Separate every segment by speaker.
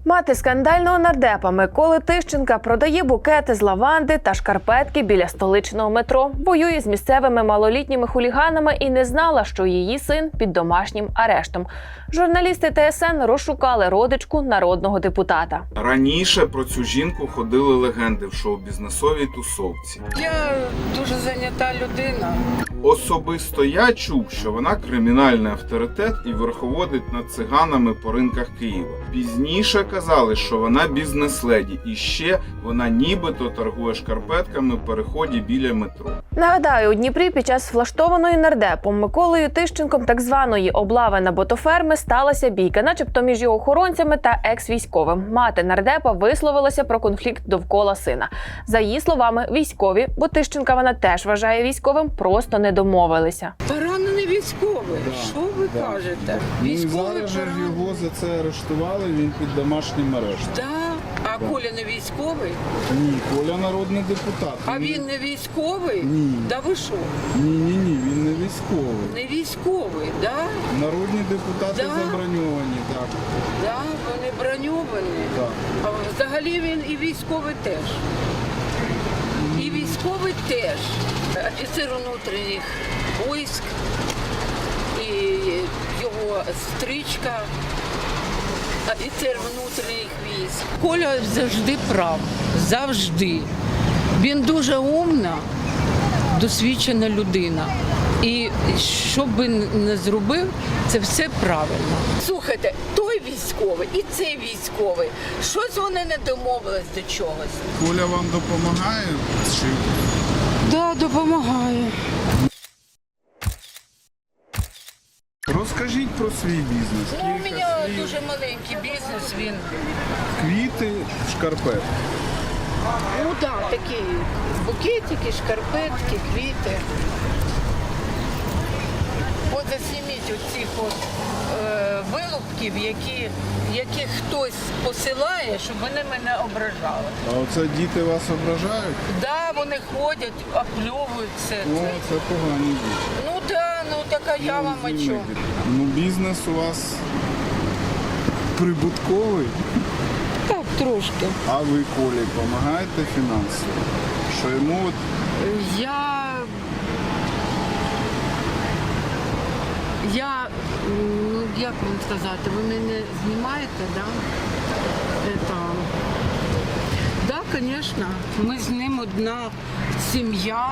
Speaker 1: Мати скандального нардепа Миколи Тищенка продає букети з лаванди та шкарпетки біля столичного метро, воює з місцевими малолітніми хуліганами і не знала, що її син під домашнім арештом. Журналісти ТСН розшукали родичку народного депутата.
Speaker 2: Раніше про цю жінку ходили легенди в шоу-бізнесовій тусовці.
Speaker 3: Я дуже зайнята людина.
Speaker 2: Особисто я чув, що вона кримінальний авторитет і верховодить над циганами по ринках Києва. Пізніше казали, що вона бізнес-леді і ще вона нібито торгує шкарпетками в переході біля метро.
Speaker 1: Нагадаю, у Дніпрі під час влаштованої нардепом Миколою Тищенком так званої облави на ботоферми сталася бійка, начебто між його охоронцями та екс-військовим. Мати нардепа висловилася про конфлікт довкола сина. За її словами, військові, бо Тищенка вона теж вважає військовим, просто не домовилися.
Speaker 3: Поранений військовий. Що ви кажете? Військовий
Speaker 4: зараз же
Speaker 3: поранений.
Speaker 4: його за це арештували, він під домашнім арештом.
Speaker 3: Да. А Коля не військовий?
Speaker 4: Ні, Коля народний депутат.
Speaker 3: А він не військовий?
Speaker 4: Ні.
Speaker 3: Да ви що?
Speaker 4: Ні, він не військовий.
Speaker 3: Не військовий, да?
Speaker 4: Народні депутати
Speaker 3: Да.
Speaker 4: заброньовані, так.
Speaker 3: Да, вони броньовані.
Speaker 4: Так.
Speaker 3: А взагалі він і військовий теж. І військовий теж. Офіцер внутрішніх військ, і його стрічка, офіцер внутрішніх військ. Коля завжди прав. Завжди. Він дуже умна, досвідчена людина. І що би не зробив, це все правильно. Слухайте, той військовий і цей військовий, щось вони не домовились до чогось.
Speaker 4: Коля вам допомагає? Чи
Speaker 3: Так, да, допомагає.
Speaker 4: розкажіть про свій бізнес.
Speaker 3: Ну, у
Speaker 4: Кілька
Speaker 3: мене
Speaker 4: слів.
Speaker 3: дуже маленький бізнес, він,
Speaker 4: Квіти, шкарпетки.
Speaker 3: ну так, такі букетики, шкарпетки, квіти. От засніміть оцих от вилупків, яких хтось посилає, щоб вони мене ображали.
Speaker 4: А оце діти вас ображають?
Speaker 3: Да, вони ходять, опльовуються.
Speaker 4: О, це погані діти.
Speaker 3: Ну да, ну така я вам о чому.
Speaker 4: Ну, бізнес у вас прибутковий,
Speaker 3: Так, трошки.
Speaker 4: а ви Колі допомагаєте фінансово? Що йому от
Speaker 3: ну, як вам сказати, ви мене знімаєте, да? Да, звісно, ми з ним одна сім'я.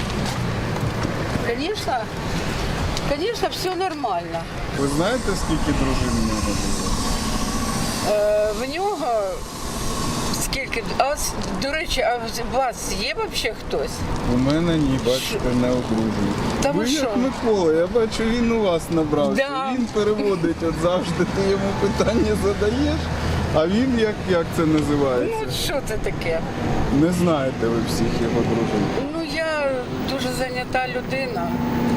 Speaker 3: Звісно, все нормально.
Speaker 4: ви знаєте, скільки дружин в нього було?
Speaker 3: В нього скільки, до речі, а у вас є взагалі хтось?
Speaker 4: У мене ні, бачите, не одружений.
Speaker 3: Та ви
Speaker 4: Ви
Speaker 3: що?
Speaker 4: як Микола, я бачу, він у вас набрався.
Speaker 3: Да.
Speaker 4: Він переводить, от завжди ти йому питання задаєш, а він як це
Speaker 3: Ну,
Speaker 4: називається?
Speaker 3: що це таке?
Speaker 4: Не знаєте ви всіх його дружин.
Speaker 3: Ну, я дуже зайнята людина.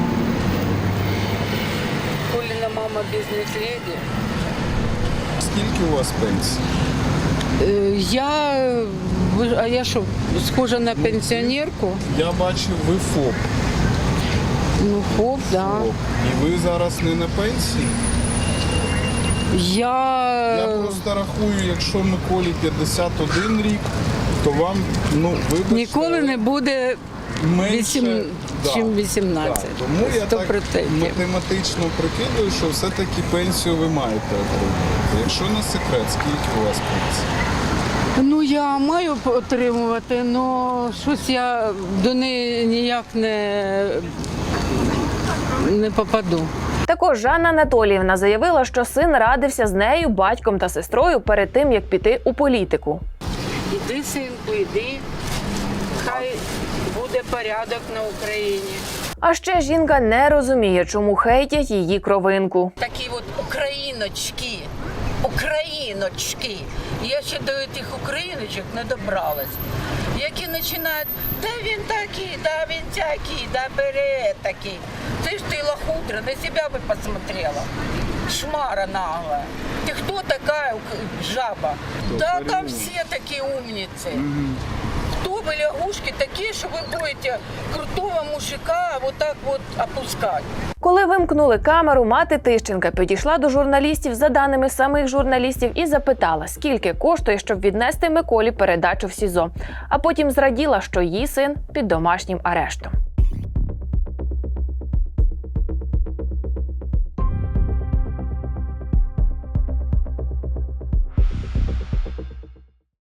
Speaker 3: Коліна мама бізнес-леді.
Speaker 4: Скільки у вас пенсій?
Speaker 3: А я що, схожа на пенсіонерку?
Speaker 4: Я бачив, ви ФОП.
Speaker 3: Ну, хоп, да.
Speaker 4: ФОП. І ви зараз не на пенсії? Я просто рахую, якщо Миколі 51 рік, то вам, вибачте,
Speaker 3: Ніколи не буде
Speaker 4: менше,
Speaker 3: чим 18.
Speaker 4: Да. Тому я так
Speaker 3: 100%.
Speaker 4: математично прикидую, що все-таки пенсію ви маєте отримати. Якщо не секрет, скільки у вас пенсії?
Speaker 3: Ну, я маю отримувати, але щось я до неї ніяк не попаду.
Speaker 1: Також Жанна Анатоліївна заявила, що син радився з нею, батьком та сестрою перед тим, як піти у політику.
Speaker 3: Іди, синку, іди. Хай буде порядок на Україні.
Speaker 1: А ще жінка не розуміє, чому хейтять її кровинку.
Speaker 3: Такі от україночки. Україночки. Я ще до тих україночок не добралась. Які починають, да він такий, да він тякий, да бере такий. Ти ж ти лохудра, на себе би посмотрела. Шмара наглая. Ты кто такая жаба? Да там все такие умницы. Кто вы лягушки такие, что вы будете крутого мужика вот так вот опускать?
Speaker 1: Коли вимкнули камеру, мати Тищенка підійшла до журналістів за даними самих журналістів і запитала, скільки коштує, щоб віднести Миколі передачу в СІЗО. А потім зраділа, що її син під домашнім арештом.